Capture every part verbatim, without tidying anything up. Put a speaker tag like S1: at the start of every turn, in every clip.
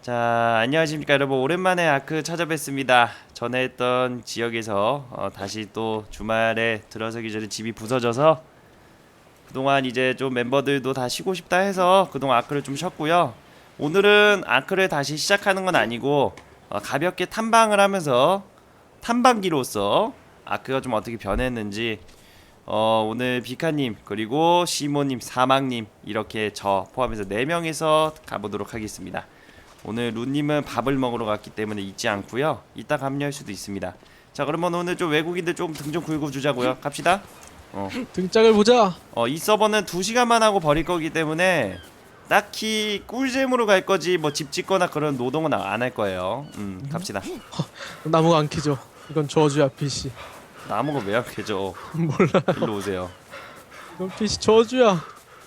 S1: 자, 안녕하십니까 여러분. 오랜만에 아크 찾아뵙습니다. 전에 했던 지역에서 어, 다시 또 주말에 들어서기 전에 집이 부서져서 그동안 이제 좀 멤버들도 다 쉬고 싶다 해서 그동안 아크를 좀 쉬었고요. 오늘은 아크를 다시 시작하는 건 아니고 어, 가볍게 탐방을 하면서 탐방기로서 아크가 좀 어떻게 변했는지 어, 오늘 비카님 그리고 시모님 사막님 이렇게 저 포함해서 네 명이서 가보도록 하겠습니다. 오늘 루님은 밥을 먹으러 갔기 때문에 있지 않고요. 이따 합류할 수도 있습니다. 자, 그러면 오늘 좀 외국인들 좀 등 좀 굴고 주자고요. 갑시다. 어.
S2: 등짝을 보자.
S1: 어, 이 서버는 두 시간만 하고 버릴 거기 때문에 딱히 꿀잼으로 갈 거지 뭐 집 짓거나 그런 노동은 안 할 거예요. 음, 갑시다.
S2: 나무가 안 캐져. 이건 저주야, 피씨.
S1: 나무가 왜 약해져?
S2: 몰라.
S1: 일로 오세요.
S2: 이건 피씨 저주야.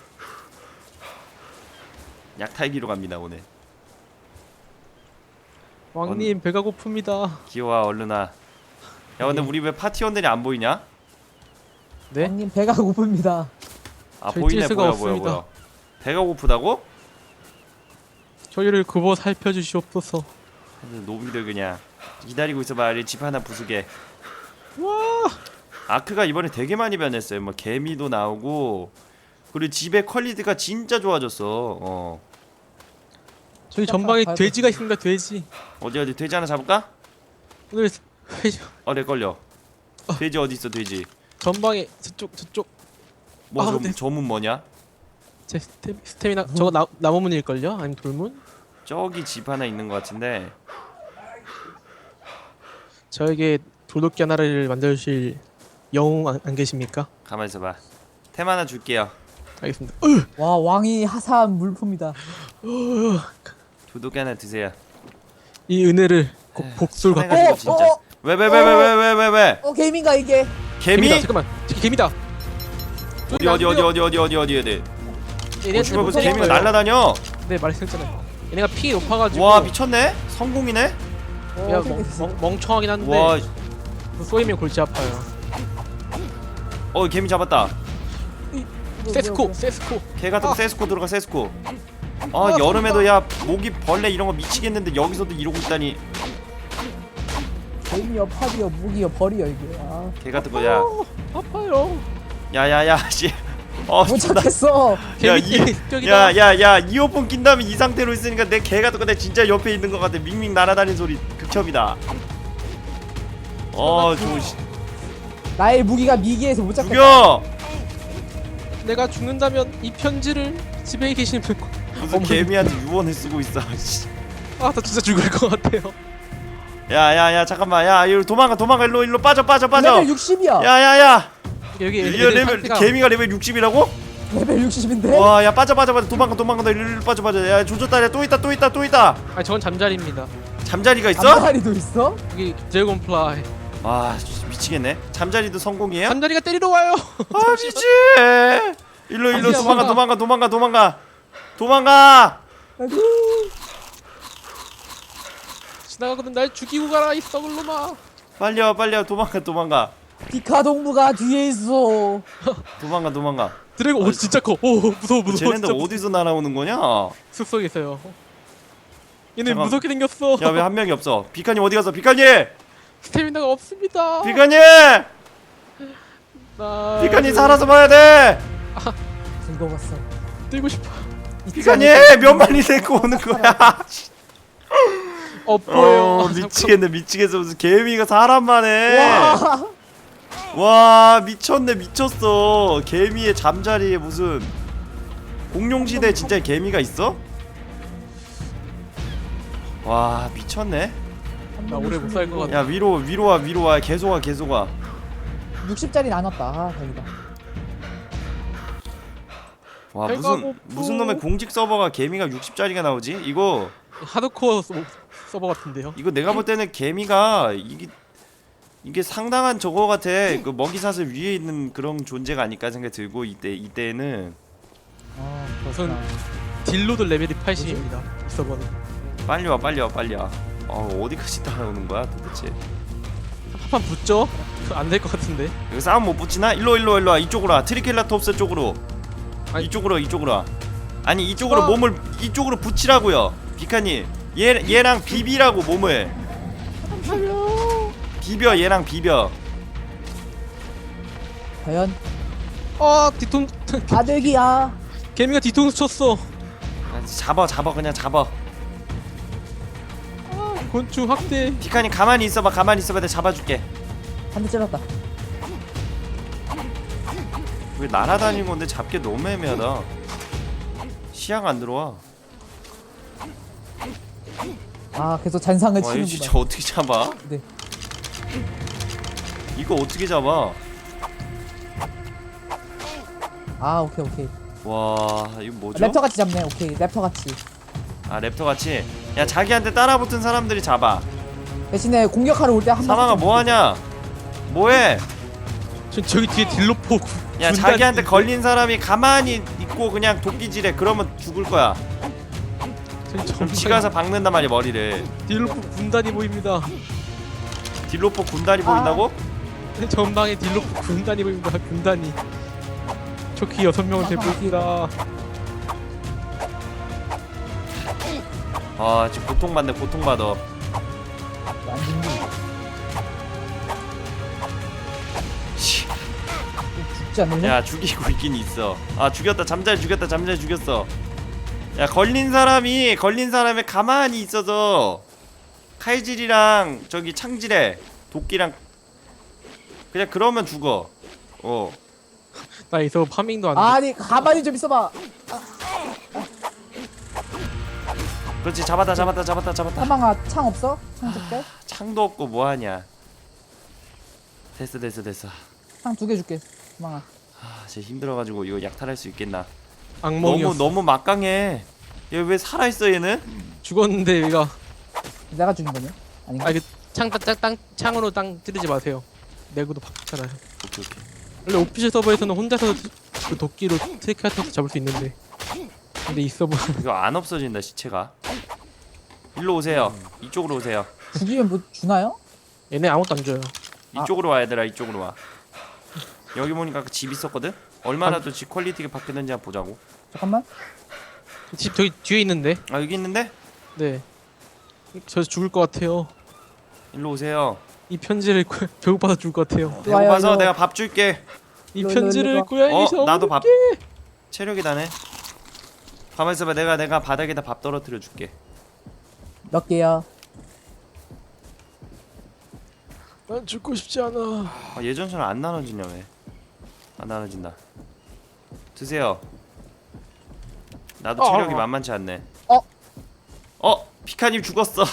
S1: 약탈기로 갑니다 오늘.
S2: 왕님 배가 고픕니다.
S1: 기호와 얼른아. 야, 근데 우리 왜 파티원들이 안 보이냐?
S2: 네?
S3: 형님 배가 고픕니다.
S1: 아,
S2: 저희
S1: 보이네.
S2: 뛸 수가
S1: 보여 보여
S2: 없습니다.
S1: 보여. 배가 고프다고?
S2: 저희를 굽어 살펴주시옵소서.
S1: 노비들 그냥 기다리고 있어봐. 집 하나 부수게.
S2: 와.
S1: 아크가 이번에 되게 많이 변했어요. 뭐 개미도 나오고 그리고 집의 퀄리티가 진짜 좋아졌어. 어.
S2: 저희 전방에 돼지가 있습니다. 돼지.
S1: 어디 어디 돼지 하나 잡을까?
S2: 오늘 회...
S1: 어, 내 걸려. 돼지 어디 있어 돼지?
S2: 전방에 저쪽 저쪽.
S1: 뭐
S2: 아,
S1: 저,
S2: 네.
S1: 저문 뭐냐?
S2: 제 스테, 스태미나 저거 나, 나무문일 걸요? 아니면 돌문?
S1: 저기 집 하나 있는 것 같은데.
S2: 저에게 돌도끼 하나를 만들어 주실 영웅 안, 안 계십니까?
S1: 가만 있어봐. 템 하나 줄게요.
S2: 알겠습니다.
S3: 와 왕이 하사한 물품이다.
S1: 도둑이 하나 드세요.
S2: 이 은혜를 곧 복수를 갖고.
S1: 가지고
S3: 어,
S1: 진짜.
S3: 어,
S1: 왜 왜 왜 왜 왜 왜 왜 왜?
S3: 어 게임인가 이게?
S1: 개미?
S2: 개미다. 잠깐만. 저기 개미다.
S1: 어디 어디 어디 어디 어디 어디 어디 어디? 어, 씨발 무슨 개미가 날라다녀?
S2: 네 말했잖아요. 얘네가 피 높아가지고.
S1: 와, 미쳤네? 성공이네?
S2: 야
S3: 어,
S2: 멍,
S3: 생겼어.
S2: 멍, 멍청하긴 한데
S1: 와,
S2: 쏘이면 골치 아파요.
S1: 어, 개미 잡았다.
S3: 뭐야,
S2: 세스코
S3: 뭐야,
S2: 세스코.
S1: 개 같은 거
S2: 아.
S1: 세스코 들어가 세스코. 아, 여름에도 야 모기 벌레 이런 거 미치겠는데 여기서도 이러고 있다니.
S3: 뭐야. 게임이여 팝이여 무기여 벌이여 이게. 아,
S1: 개 같은 거야.
S2: 어, 아파요.
S1: 야야야 씨. 어,
S3: 못
S1: 존나-
S3: 찾겠어.
S1: 야,
S2: 개미
S1: 이,
S2: 격이다.
S1: 야, 야, 야, 이어폰 낀 다음에 이 상태로 있으니까 내 개 같은 거내 진짜 옆에 있는 것 같아. 밍밍 날아다니는 소리 극혐이다. 어, 저
S3: 나의 무기가 미기에서 못 찾겠다.
S1: 죽여.
S2: 내가 죽는다면 이 편지를 집에 계시는 분.
S1: 무슨
S2: 어머니.
S1: 개미한테 유언을 쓰고 있어. 씨.
S2: 아나 진짜 죽을 것 같아요.
S1: 야, 야, 야, 잠깐만. 야, 이리 도망가, 도망가. 일로, 일로 빠져, 빠져, 빠져.
S3: 레벨 육십이야.
S1: 야, 야, 야.
S2: 여기
S1: 이
S2: 애들
S1: 레벨
S2: 상태가-
S1: 개미가 레벨 육십이라고?
S3: 레벨 육십인데?
S1: 와, 야, 빠져, 빠져, 빠져. 도망가, 도망가. 너 일로, 일로 빠져, 빠져. 야, 조졌다. 야, 또 있다, 또 있다, 또 있다.
S2: 아니 저건 잠자리입니다.
S1: 잠자리가 있어?
S3: 잠자리도 있어?
S2: 여기 드래곤플라이.
S1: 아, 진짜 미치겠네. 잠자리도 성공이에요?
S2: 잠자리가 때리러 와요.
S1: 아, 미치. 일로, 일로
S2: 아니야,
S1: 도망가,
S2: 뭐가.
S1: 도망가, 도망가, 도망가. 도망가.
S3: 아이고.
S2: 지나가거든 날 죽이고 가라 이 썩을 놈아.
S1: 빨리 와, 빨리 와. 도망가, 도망가.
S3: 디카 동부가 뒤에 있어.
S1: 도망가, 도망가.
S2: 드래곤 오 진짜 커. 오 무서워 무서워.
S1: 쟤네들
S2: 진짜
S1: 어디서 날아오는 거냐?
S2: 숲속에 있어요. 얘네
S1: 잠깐.
S2: 무섭게 생겼어.
S1: 야, 왜 한 명이 없어? 비카님 어디 갔어? 비카님!
S2: 스태미나가 없습니다.
S1: 비카님!
S2: 나
S1: 비카님 살아서 봐야 돼!
S3: 즐거웠어.
S2: 뛰고 싶어.
S1: 비카님! 몇 마리 데리고 오는 거야?
S2: 엎어요.
S1: 어, 미치겠네, 미치겠어. 무슨 개미가 사람만 해.
S3: 와.
S1: 와, 미쳤네, 미쳤어. 개미의 잠자리에 무슨 공룡시대에 진짜 개미가 있어? 와, 미쳤네.
S2: 나 오래 못 살 것 같아.
S1: 야, 위로, 위로 와, 위로 와. 계속 와, 계속 와.
S3: 육십짜리 나눴다. 아, 다행이다.
S1: 와,
S2: 배가
S1: 무슨,
S2: 고프.
S1: 무슨 놈의 공직 서버가 개미가 육십짜리가 나오지? 이거,
S2: 하드코어 서, 서버 같은데요.
S1: 이거 내가 볼 때는 개미가 이게 이게 상당한 저거 같아. 그 먹이사슬 위에 있는 그런 존재가 아닐까 생각이 들고 이때 이때는
S3: 아,
S2: 우선
S3: 그렇구나.
S2: 딜로드 레벨이 팔십입니다. 이 서버는.
S1: 빨리 와, 빨리 와, 빨리 와. 어, 어디까지 따라오는 거야 도대체?
S2: 한판 붙죠? 안 될 것 같은데.
S1: 여기 싸움 못 붙이나? 일로 일로 일로 와. 이쪽으로 와. 트리켈라톱스 쪽으로.
S2: 아니.
S1: 이쪽으로 이쪽으로 와. 아니 이쪽으로
S2: 아.
S1: 몸을 이쪽으로 붙이라고요. 비카님. 얘 얘랑 비비라고 몸을. 비벼 얘랑 비벼.
S3: 과연
S2: 아 뒤통
S3: 아들기야.
S2: 개미가 뒤통수 쳤어.
S1: 잡아 잡아 그냥 잡아.
S2: 곤충 확대.
S1: 피카니 가만히 있어봐 가만히 있어봐 내가 잡아줄게.
S3: 한 대 찔렀다.
S1: 왜 날아다니는 건데 잡기 너무 애매하다. 시야가 안 들어와.
S3: 아 계속 잔상을
S1: 와 이거
S3: 치는구만.
S1: 진짜 어떻게 잡아?
S3: 네.
S1: 이거 어떻게 잡아?
S3: 아 오케이 오케이.
S1: 와 이거 뭐죠?
S3: 랩터 같이 잡네. 오케이 랩터 같이.
S1: 아 랩터 같이. 야 자기한테 따라붙은 사람들이 잡아.
S3: 대신에 공격하러 올 때 한 번.
S1: 사망아 뭐하냐? 뭐해?
S2: 저 저기 뒤에 딜로포.
S1: 야
S2: 군단이
S1: 자기한테
S2: 있는데?
S1: 걸린 사람이 가만히 있고 그냥 도끼질해. 그러면 죽을 거야.
S2: 저기
S1: 그럼
S2: 전방에
S1: 지 가서 박는단 말이야 머리를.
S2: 딜로포 군단이 보입니다.
S1: 딜로포 군단이 보인다고?
S2: 전방에 딜로포 군단이 보입니다. 군단이. 초키 여섯 명을 대표합니다.
S1: 아 지금 고통받네 고통받아.
S3: 안 죽니?
S1: 씨.
S3: 죽지 않을래?
S1: 야 죽이고 있긴 있어. 아 죽였다 잠잘 죽였다 잠잘 죽였어. 야 걸린 사람이 걸린 사람이 가만히 있어서 칼질이랑 저기 창질해. 도끼랑 그냥 그러면 죽어. 어.
S2: 나 있어 파밍도 안 돼.
S3: 아니 가만히 좀 있어봐.
S1: 그렇지 잡았다 잡았다 잡았다 잡았다.
S3: 사망아 창 없어? 창 줄게.
S1: 창도 없고 뭐하냐. 됐어 됐어 됐어.
S3: 창 두 개 줄게. 사망아.
S1: 아 진짜 힘들어가지고 이거 약탈할 수 있겠나.
S2: 악몽이었어.
S1: 너무 너무 막강해. 얘 왜 살아있어 얘는?
S2: 죽었는데 얘가.
S3: 내가 죽인 거냐? 아닌가?
S2: 아 이거 창땅땅 창으로 땅 찌르지 마세요. 내구도 바뀌잖아요.
S1: 오케이 오케이.
S2: 원래 오피셜 서버에서는 혼자서 그 도끼로 트리케라토스 잡을 수 있는데, 근데 이 서버
S1: 이거 안 없어진다 시체가. 일로 오세요. 이쪽으로 오세요.
S3: 죽이면 뭐 주나요?
S2: 얘네 아무것도 안 줘요.
S1: 이쪽으로 와 얘들아 이쪽으로 와. 여기 보니까 아까 집 있었거든? 얼마나 또 집 퀄리티가 바뀌는지 한번 보자고.
S3: 잠깐만.
S2: 집 저기 뒤에 있는데.
S1: 아 여기 있는데?
S2: 네. 저 죽을 것 같아요.
S1: 일로 오세요.
S2: 이 편지를 꾸- 배고파서 죽을 것 같아요.
S3: 와요,
S1: 배고파서
S3: 이거.
S1: 내가 밥 줄게.
S2: 이
S3: 일로, 일로,
S2: 편지를
S3: 일로.
S2: 고양이에서
S1: 어 나도 밥.
S2: 먹을게.
S1: 체력이 다네. 가만 있어봐. 내가 내가 바닥에다 밥 떨어뜨려 줄게.
S3: 몇 개야?
S2: 난 죽고 싶지 않아.
S1: 아, 예전처럼 안 나눠지냐 왜? 안 나눠진다. 드세요. 나도
S2: 어,
S1: 체력이
S2: 어.
S1: 만만치 않네.
S3: 어?
S1: 어 피카님 죽었어.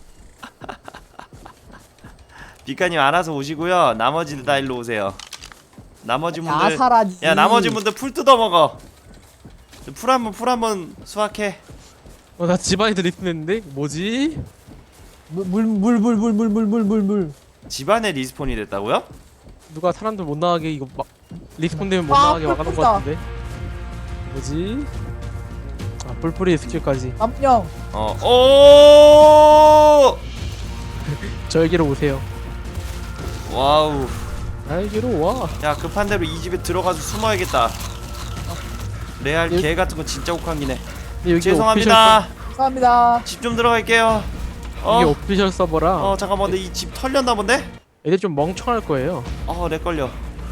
S1: 피카님 알아서 오시고요. 나머지들 다 일로 오세요. 나머지 분들.
S3: 아사라지.
S1: 야 나머지 분들 풀 뜯어 먹어. 풀 한번 풀 한번 수확해.
S2: 어, 나 집안에도 리스했는데 뭐지?
S3: 물물물물물물물물물.
S1: 집안에 리스폰이 됐다고요?
S2: 누가 사람들 못 나가게 이거 막 리스폰 되면 못
S3: 아,
S2: 나가게 막아놓은 것
S3: 뿔뿔이다.
S2: 같은데. 뭐지? 아 뿔뿔이 스킬까지.
S3: 깜령.
S1: 어. 오!
S2: 저에게로 오세요.
S1: 와우.
S2: 나에게로 와.
S1: 야 급한 대로 이 집에 들어가서 숨어야겠다. 레알
S2: 여기-
S1: 개 같은 거 진짜 혹한기네.
S2: 근데 여기
S1: 죄송합니다.
S3: 감사합니다.
S1: 집 좀 들어갈게요.
S2: 오피셜, 이게
S1: 어?
S2: 오피셜 서버라.
S1: 어 잠깐만 근데 이 집 털렸나 본데?
S2: 애들 좀 멍청할 거예요.
S1: 어렉 걸려.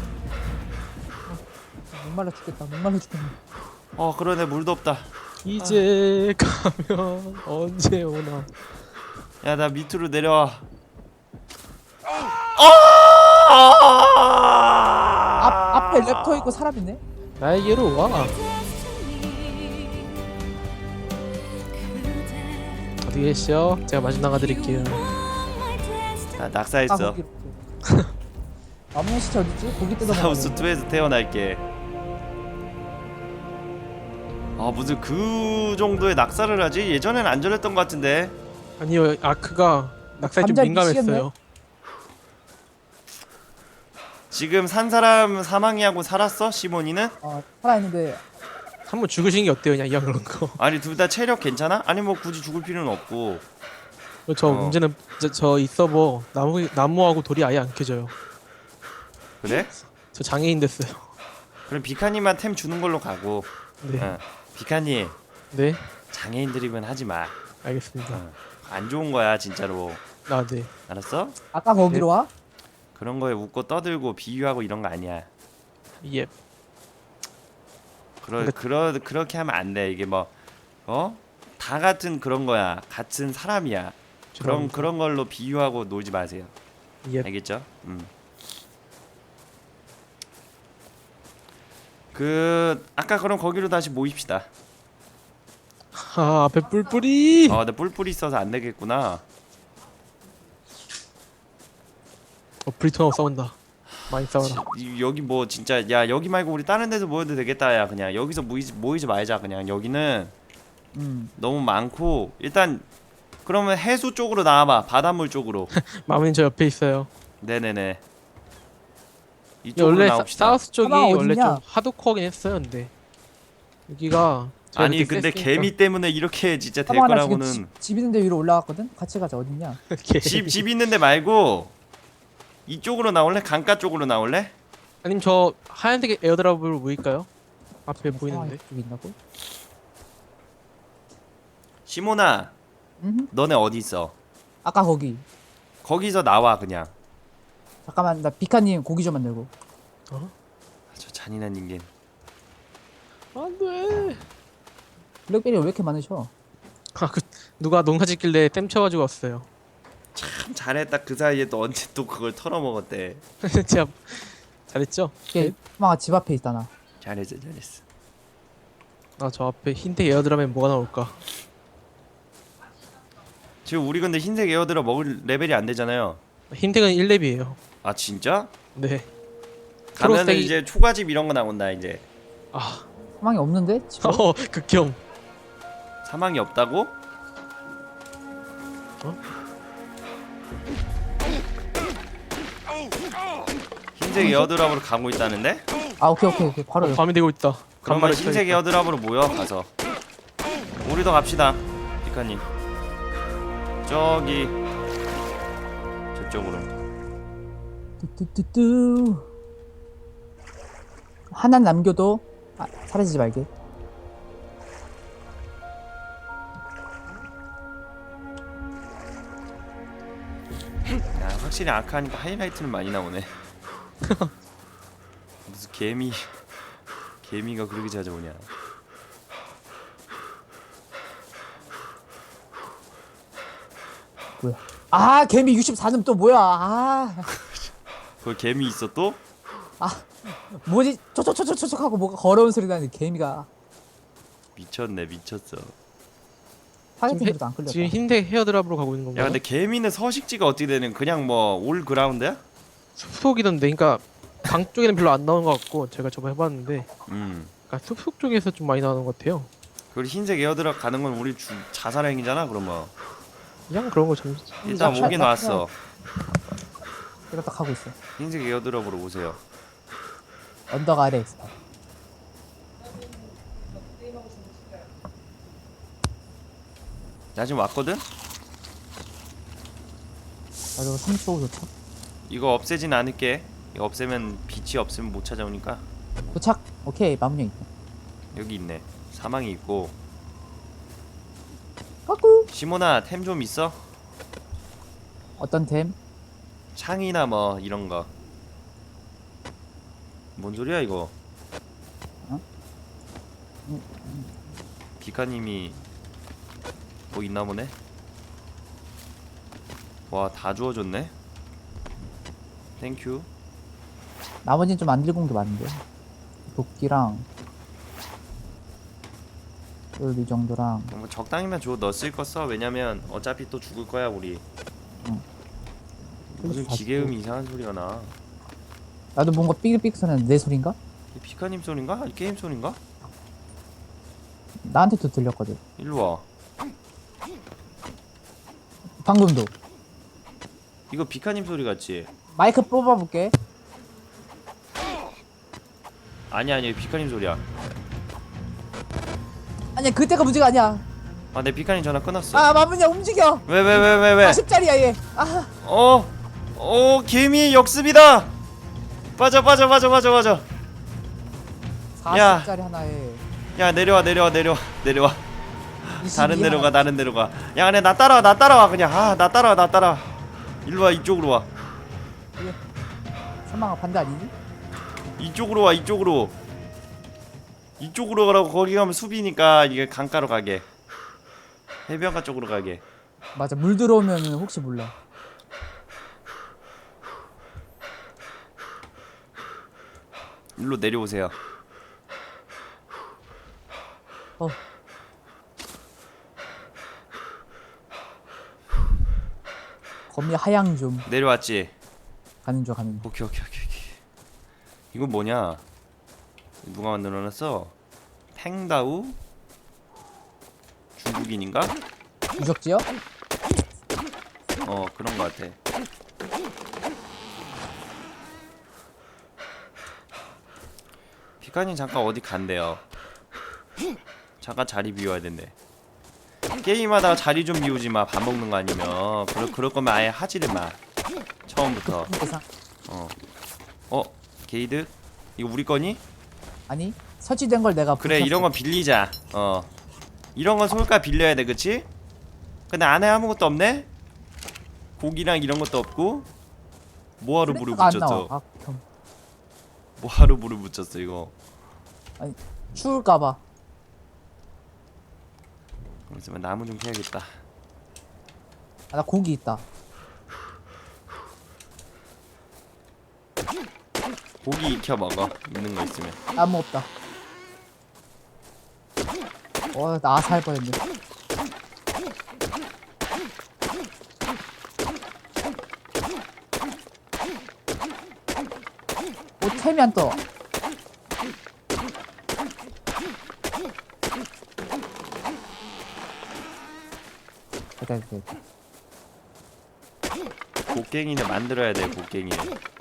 S3: 목말라 죽겠다. 목말라 죽겠네.
S1: 어 그러네 물도 없다.
S2: 이제 가면 언제 오나.
S1: 야 나 밑으로 내려와.
S3: 앞 앞에 랩터 있고 사람 있네.
S2: 나에게로 와. 어디 계시죠? 제가 마중 나가드릴게요.
S1: 나
S3: 아
S1: 낙사했어.
S3: 거기. 남은 시체 어딨지? 고기 뜯어
S1: 사우스
S3: 먹어.
S1: 투에서 태어날게. 아 무슨 그 정도의 낙사를 하지? 예전엔 안 저랬던 것 같은데.
S2: 아니요, 아크가 낙사에 좀
S3: 감자
S2: 민감했어요.
S3: 미치겠네.
S1: 지금 산 사람 사망이하고 살았어? 시몬이는?
S3: 어 살아있는데.
S2: 한번 죽으신 게 어때요, 그냥 이왕 그런 거.
S1: 아니 둘 다 체력 괜찮아? 아니 뭐 굳이 죽을 필요는 없고.
S2: 저
S1: 어.
S2: 문제는 저 이 서버 나무 나무하고 돌이 아예 안 켜져요.
S1: 그래?
S2: 저 장애인 됐어요.
S1: 그럼 비카님만 템 주는 걸로 가고.
S2: 네,
S1: 어. 비카님
S2: 네,
S1: 장애인 드립은 하지 마.
S2: 알겠습니다.
S1: 어. 안 좋은 거야 진짜로.
S2: 아 네.
S1: 알았어?
S3: 아까 거기로 와?
S1: 그런 거에 웃고 떠들고 비유하고 이런 거 아니야.
S2: 예.
S1: 그러
S2: 근데-
S1: 그러 그렇게 하면 안 돼. 이게 뭐 어? 다 같은 그런 거야. 같은 사람이야. 그런
S2: 죄송합니다.
S1: 그런 걸로 비유하고 놀지 마세요.
S2: 예.
S1: 알겠죠? 음. 그 아까 그럼 거기로 다시 모입시다.
S2: 아 앞에 뿔뿔이.
S1: 아, 근데 뿔뿔이 있어서 안 되겠구나.
S2: 어 브리톤하고 싸운다. 많이 싸워라.
S1: 이- 여기 뭐 진짜 야 여기 말고 우리 다른 데서 모여도 되겠다. 야 그냥 여기서 모이지 모이지 말자. 그냥 여기는
S3: 음.
S1: 너무 많고 일단 그러면 해수 쪽으로 나와봐. 바닷물 쪽으로.
S2: 마무리는 저 옆에 있어요.
S1: 네네네. 이쪽으로
S2: 원래 사,
S1: 나옵시다.
S2: 사우스 쪽이
S3: 사방
S2: 원래
S3: 어딨냐?
S2: 좀 하드코어긴 했어요. 근데 여기가 제가
S1: 아니
S2: 그렇게
S1: 근데
S2: 셌으니까.
S1: 개미 때문에 이렇게 진짜 될
S3: 사방아 나 지금
S1: 거라고는.
S3: 집, 집 있는데 위로 올라갔거든? 같이 가자 어딨냐?
S2: 개미.
S1: 집 집 있는데 말고 이쪽으로 나올래? 강가 쪽으로 나올래?
S2: 아님 저 하얀색 에어드랍으로 보일까요? 앞에
S3: 사방이
S2: 보이는데.
S3: 이쪽에 있나고?
S1: 시모나
S3: 음.
S1: 너네 어디 있어?
S3: 아까 거기.
S1: 거기서 나와 그냥.
S3: 잠깐만 나 비카님 고기 좀 만들고.
S2: 어?
S1: 아, 저 잔인한 인간.
S2: 안돼.
S3: 블랙베리 왜 이렇게 많으셔?
S2: 아그 누가 농사 짓길래 땜 쳐가지고 왔어요.
S1: 참 잘했다. 그 사이에 또 언제 또 그걸 털어먹었대.
S2: 제가 잘했죠?
S3: 이게 사방아 집 앞에 있잖아.
S1: 잘했어 잘했어.
S2: 아 저 앞에 흰색 에어드랍엔 뭐가 나올까?
S1: 지금 우리 근데 흰색 에어드랍 먹을 레벨이 안 되잖아요.
S2: 흰색은 일 렙이에요.
S1: 아 진짜?
S2: 네.
S1: 가면은
S2: 초록색이-
S1: 이제 초가집 이런 거 나온다 이제.
S2: 아,
S3: 사방이 없는데? 집에?
S2: 어, 극혐.
S1: 사망이 없다고? 흰색 에어드랍으로 가고 있다는데?
S3: 아 오케이 오케이 오케이 바로
S2: 어, 밤이 되고 있다.
S1: 그러면
S2: 간만에
S1: 흰색
S2: 쳐야겠다.
S1: 에어드랍으로 모여 가서 우리도 갑시다 피카님. 저기 저쪽으로.
S3: 뚜뚜뚜뚜 하나 남겨도 아, 사라지지 말게.
S1: 야 확실히 아카하니까 하이라이트는 많이 나오네. 무슨 개미 개미가 그렇게 찾아오냐.
S3: 뭐야? 아 개미 육십사는 또 뭐야? 아
S1: 그 개미 있어 또?
S3: 뭐지? 촉촉촉촉촉 하고 뭐가 걸어온 소리 나는데 개미가
S1: 미쳤네 미쳤어.
S3: 타겟팅으로도 안 끌렸다.
S2: 지금 흰색 헤어드랍으로 가고 있는
S1: 야
S2: 건가요?
S1: 근데 개미는 서식지가 어떻게 되는? 그냥 뭐 올 그라운드야?
S2: 숲속이던데, 그러니까 강 쪽에는 별로 안 나오는 것 같고 제가 저번 해봤는데,
S1: 음.
S2: 그러니까 숲속 쪽에서 좀 많이 나오는 것 같아요.
S1: 그리고 흰색 에어드랍 가는 건 우리 주, 자살행위잖아 그러면.
S2: 그냥 그런 거 좀.
S1: 일단
S3: 나-
S1: 오긴
S3: 나-
S1: 왔어.
S3: 내가 딱 하고 있어.
S1: 흰색 에어드랍으로 오세요.
S3: 언덕 아래 있어.
S1: 나 지금 왔거든?
S3: 나도 삼십 초 도착.
S1: 이거 없애진 않을게. 이거 없애면 빛이 없으면 못 찾아오니까.
S3: 도착. 오케이 마무리 있고.
S1: 여기 있네. 사망이 있고.
S3: 까꾸.
S1: 시모나 템 좀 있어?
S3: 어떤 템?
S1: 창이나 뭐 이런 거. 뭔 소리야 이거?
S3: 어?
S1: 비카님이 뭐 있나 보네. 와 다 주워줬네. 땡큐.
S3: 나머지는 좀 안 들고 온 게 많은데. 도끼랑 이 정도랑
S1: 뭐 적당히만 줘. 너 쓸 거 써. 왜냐면 어차피 또 죽을 거야 우리.
S3: 응.
S1: 무슨
S3: 다시
S1: 기계음이 이상한 소리가 나.
S3: 나도 뭔가 삐글삐글 소리는 내 소린가?
S1: 이 피카님 소린가? 이 게임 소린가?
S3: 나한테도 들렸거든.
S1: 일로 와.
S3: 방금도.
S1: 이거 비카님 소리 같지?
S3: 마이크 뽑아볼게.
S1: 아니 아니 비카님 소리야.
S3: 아니야 그때가 문제가 아니야.
S1: 아 내 비카님 전화 끊었어.
S3: 아 마무냐 움직여.
S1: 왜 왜 왜 왜 왜?
S3: 사십 짜리야 얘. 아
S1: 어, 어 개미의 역습이다. 빠져 빠져 빠져 빠져 빠져. 야.
S3: 사십 짜리 하나에.
S1: 야 내려와 내려와 내려와 내려와. 다른 데로 가 다른 데로 가야 그냥 나 따라와 나 따라와 그냥 아 나 따라와 나 따라와 일로와 이쪽으로 와
S3: 사망아 반대 아니지?
S1: 이쪽으로 와 이쪽으로 이쪽으로 가라고. 거기 가면 숲이니까 이게 강가로 가게 해변가 쪽으로 가게.
S3: 맞아 물 들어오면 혹시 몰라.
S1: 일로 내려오세요.
S3: 어 거미 하양 좀
S1: 내려왔지.
S3: 가는 중 가는 중.
S1: 오케이 오케이 오케이 오케이. 이건 뭐냐? 누가 만들어놨어? 팽다우? 중국인인가?
S3: 유적지요?
S1: 어 그런 거 같아. 피카님 잠깐 어디 간대요. 잠깐 자리 비워야 된대. 게임하다가 자리 좀 비우지 마. 밥 먹는 거 아니면. 그럴, 그럴 거면 아예 하지를 마. 처음부터.
S3: 대상
S1: 어. 어? 게이드? 이거 우리 거니?
S3: 아니 설치된 걸 내가
S1: 그래
S3: 붙였어.
S1: 이런 건 빌리자. 어. 이런 건 솔까 빌려야 돼 그치? 근데 안에 아무것도 없네? 고기랑 이런 것도 없고 뭐하러 물을
S3: 플래그가 안
S1: 붙였어?
S3: 나와. 아, 겸.
S1: 뭐하러 물을 붙였어 이거?
S3: 추울까봐.
S1: 그러면 나무 좀 캐야겠다.
S3: 아, 나 고기 있다.
S1: 고기 익혀 먹어. 있는 거 있으면.
S3: 나무 없다. 어, 나 살 뻔했네. 오, 템이 안 떠. 됐다, 됐다, 됐다.
S1: 곡괭이는 만들어야 돼 곡괭이.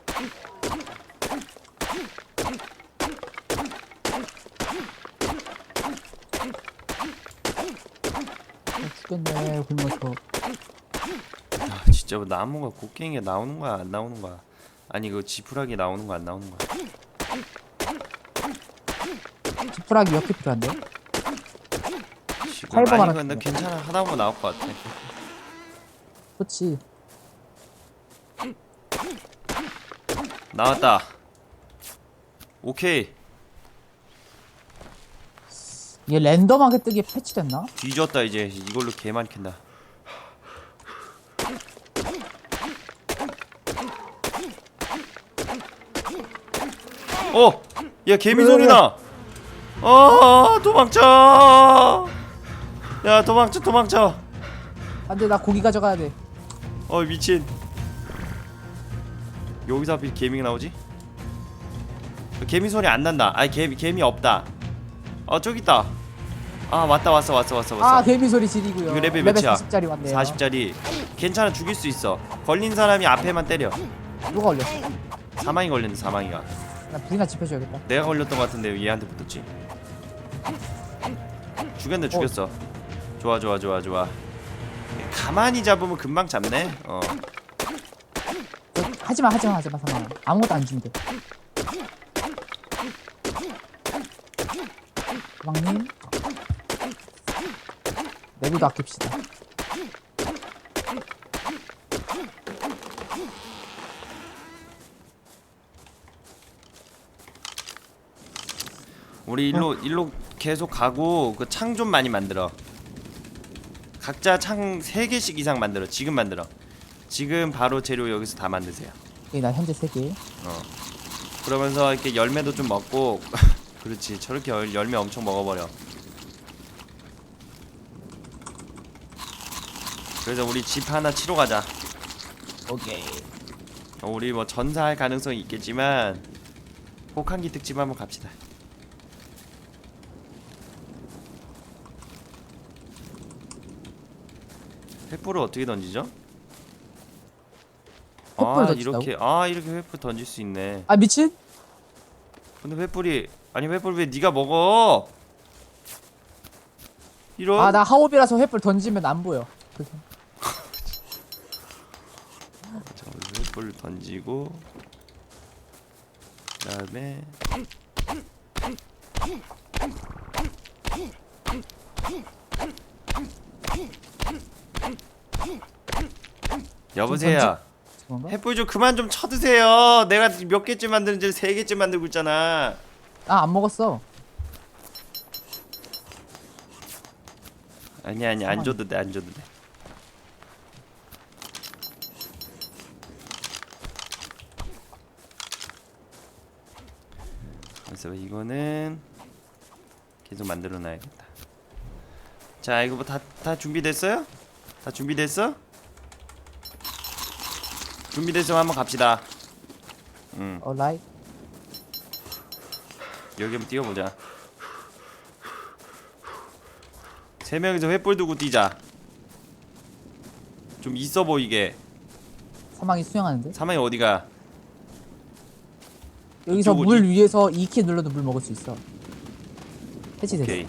S3: 아, 죽겠네, 굶어서.
S1: 아 진짜 뭐 나무가 곡괭이가 나오는 거야 안 나오는 거야? 아니 그 지푸라기 나오는 거 안 나오는 거야?
S3: 지푸라기 몇 개 필요한데?
S1: 지금
S3: 팔번
S1: 아니
S3: 하나
S1: 근데
S3: 주네.
S1: 괜찮아 하다 보면 나올 것 같아.
S3: 그렇지.
S1: 나왔다. 오케이.
S3: 이게 랜덤하게 뜨기 패치됐나?
S1: 뒤졌다 이제 이걸로 개 많이 캔다. 어! 야 개미 소리 나! 어 도망쳐! 야 도망쳐 도망쳐!
S3: 안돼, 나 고기 가져가야 돼.
S1: 어 미친. 여기서 하필 개미가 나오지? 개미 소리 안 난다. 아니 개미 개미 없다. 어 저기 있다. 아 왔다 왔어 왔어 왔어 왔어.
S3: 아, 개미 소리 지리고요.
S1: 이거 레벨 몇이야?
S3: 사십짜리 왔네요.
S1: 사십짜리. 괜찮아 죽일 수 있어. 걸린 사람이 앞에만 때려.
S3: 누가 걸렸어?
S1: 사망이 걸렸는데 사망이가.
S3: 나 불이나 지펴줘야겠다.
S1: 내가 걸렸던 것 같은데 왜 얘한테 붙었지? 죽였네 죽였어. 좋아 좋아 좋아 좋아. 가만히 잡으면 금방 잡네. 어.
S3: 너, 하지마, 하지마, 하지마, 사마. 아무것도 안 준대. 왕님, 내구도 아낍시다.
S1: 우리 일로 일로 계속 가고 그 창 좀 많이 만들어. 각자 창 세 개씩 이상 만들어. 지금 만들어. 지금 바로 재료 여기서 다 만드세요.
S3: 오케이, 나 현재 세 개.
S1: 어. 그러면서 이렇게 열매도 좀 먹고 그렇지. 저렇게 열, 열매 엄청 먹어버려. 그래서 우리 집 하나 치러 가자.
S3: 오케이.
S1: 어, 우리 뭐 전사할 가능성이 있겠지만 혹한기 특집 한번 갑시다. 횃불을 어떻게 던지죠?
S3: 횃불
S1: 아
S3: 던진다고?
S1: 이렇게 아 이렇게 횃불 던질 수 있네.
S3: 아, 미친?
S1: 근데 횃불이 아니 횃불 왜 네가 먹어? 이런.
S3: 아, 나 하옵이라서 횃불 던지면 안 보여. 그래서.
S1: 자, 우리 횃불 던지고 그다음에 여보세요.
S3: 그런가?
S1: 햇불 좀 그만 좀 쳐드세요. 내가 몇 개쯤 만드는지 세 개쯤 만들고 있잖아.
S3: 아, 안 먹었어.
S1: 아니 아니 안 줘도 돼, 안 줘도 돼. 그래서 이거는 계속 만들어 놔야겠다. 자, 이거 뭐 다 다 준비됐어요? 다 준비됐어? 준비됐으면 한번 갑시다. 응,
S3: 얼라이.
S1: 여기 한번 뛰어보자. 세 명이서 횃불 두고 뛰자. 좀 있어 보이게.
S3: 사막이 수영하는데?
S1: 사망이 어디가?
S3: 여기서
S1: 이쪽
S3: 물
S1: 이-
S3: 위에서 이 키 눌러도 물 먹을 수 있어. 해치됐어.
S1: 오케이.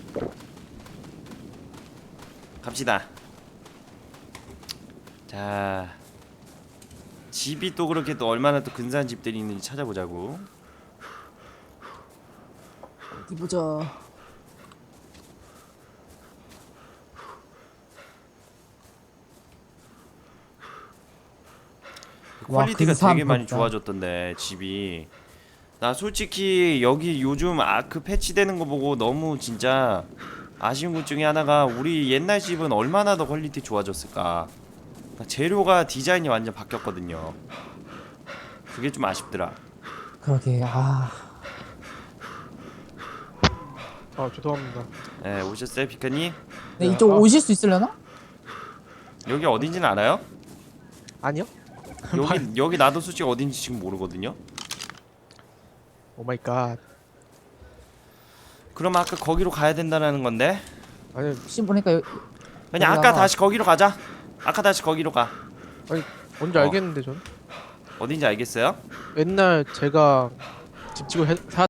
S1: 갑시다. 자, 집이 또 그렇게 또 얼마나 또 근사한 집들이 있는지 찾아보자고.
S3: 어디 보자. 와,
S1: 퀄리티가
S3: 근사한
S1: 되게 많이
S3: 벽다.
S1: 좋아졌던데 집이. 나 솔직히 여기 요즘 아크 패치되는 거 보고 너무 진짜 아쉬운 것 중에 하나가 우리 옛날 집은 얼마나 더 퀄리티 좋아졌을까. 그러니까 재료가 디자인이 완전 바뀌었거든요. 그게 좀 아쉽더라.
S3: 그러게. 아,
S2: 아 죄송합니다.
S1: 예, 오셨어요 피카님?
S3: 근데 이쪽
S2: 아.
S3: 오실 수 있으려나?
S1: 여기 어딘지는 알아요?
S2: 아니요?
S1: 여기 여기 나도 솔직히 어딘지 지금 모르거든요.
S2: 오 마이 갓.
S1: 그럼 아까 거기로 가야 된다는 건데.
S2: 아니
S3: 혹시 보니까 여,
S1: 그냥
S3: 여기다가-
S1: 아까 다시 거기로 가자. 아까 다시 거기로 가.
S2: 뭔지
S1: 어.
S2: 알겠는데 전.
S1: 어딘지 알겠어요?
S2: 옛날 제가 집 지고 해,